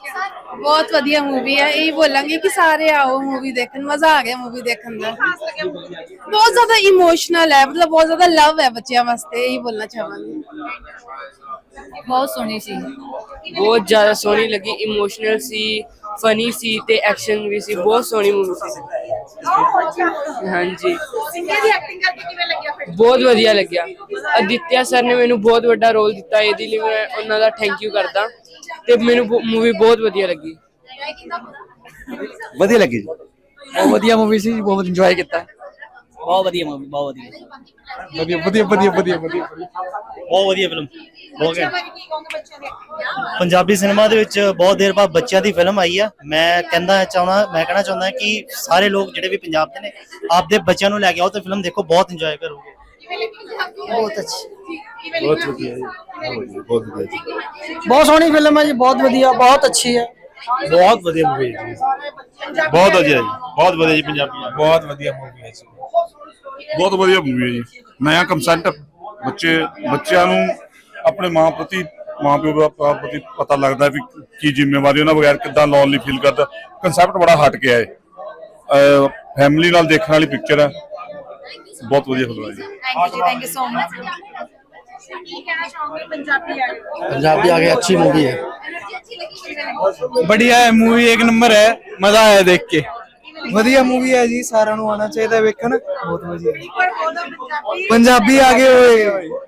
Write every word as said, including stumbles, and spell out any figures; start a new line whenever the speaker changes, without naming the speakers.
बहुत वधिया मूवी है, यही बोलेंगे कि सारे आओ मूवी देखने, मजा आ गया मूवी देखने का। बहुत ज्यादा इमोशनल है, मतलब बहुत ज्यादा लव है बच्चों वास्ते, यही बोलना चाहूंगी।
बहुत सोहनी सी।
बहुत ज्यादा सोहनी लगी, इमोशनल सी, फनी सी ते एक्शन भी सी, बहुत सोहनी मूवी सी। हाँ जी, बहुत वधिया लग्या। आदित्य सर ने मैनू बहुत बड़ा रोल दिता, इहदे लई मैं उन्हां दा थैंक यू करदा ते मैनू मूवी बहुत वधिया लगी।
वधिया लगी जी,
बहुत वधिया मूवी सी, बहुत इंजॉय किया।
बहुत वधिया मूवी, बहुत वधिया
वधिया वधिया वधिया वधिया वधिया
ਬਹੁਤ ਵਧੀਆ ਫਿਲਮ ਹੋ ਗਿਆ। ਪੰਜਾਬੀ ਸਿਨੇਮਾ ਦੇ ਵਿੱਚ ਬਹੁਤ ਦੇਰ ਬਾਅਦ ਬੱਚਿਆਂ ਦੀ ਫਿਲਮ ਆਈ ਆ। ਮੈਂ ਕਹਿੰਦਾ ਚਾਹੁੰਦਾ ਮੈਂ ਕਹਿਣਾ ਚਾਹੁੰਦਾ ਕਿ ਸਾਰੇ ਲੋਕ ਜਿਹੜੇ ਵੀ ਪੰਜਾਬ ਦੇ ਨੇ ਆਪਦੇ ਬੱਚਿਆਂ ਨੂੰ ਲੈ ਕੇ ਆਓ ਤੇ ਫਿਲਮ ਦੇਖੋ, ਬਹੁਤ ਇੰਜੋਏ ਕਰੋਗੇ।
बहुत अच्छी।
बहुत वधिया जी, बहुत वधिया जी,
बहुत सोहनी फिल्म है जी, बहुत वधिया, बहुत अच्छी है।
बहुत वधिया मूवी है जी, बहुत वधिया जी, बहुत वधिया जी, पंजाबी बहुत वधिया मूवी है जी,
बहुत वधिया मूवी है जी। नया कंसेप्ट, बच्चे बच्चों ਨੂੰ ਆਪਣੇ ਮਾਂ ਪ੍ਰਤੀ ਮਾਂ ਪਿਓ ਦਾ ਪ੍ਰਤੀ ਪਤਾ ਲੱਗਦਾ ਵੀ ਕੀ ਜ਼ਿੰਮੇਵਾਰੀ ਉਹਨਾਂ ਬਗੈਰ ਕਿੱਦਾਂ ਲੋਨਲੀ ਫੀਲ ਕਰਦਾ। ਕਨਸੈਪਟ ਬੜਾ ਹਟ ਕੇ ਹੈ, ਫੈਮਿਲੀ ਨਾਲ ਦੇਖਣ ਵਾਲੀ ਪਿਕਚਰ ਹੈ, ਬਹੁਤ ਵਧੀਆ ਫਿਲਮ ਹੈ ਜੀ।
थैंक यू जी, thank you so much.
Punjabi आ गई, अच्छी मूवी है,
बढ़िया है मूवी, एक नंबर है, मजा आया देख के।
वधिया मूवी है जी, सारा नु आना चाहिए वेखन, बहुत वधिया। पंजाबी आ गए।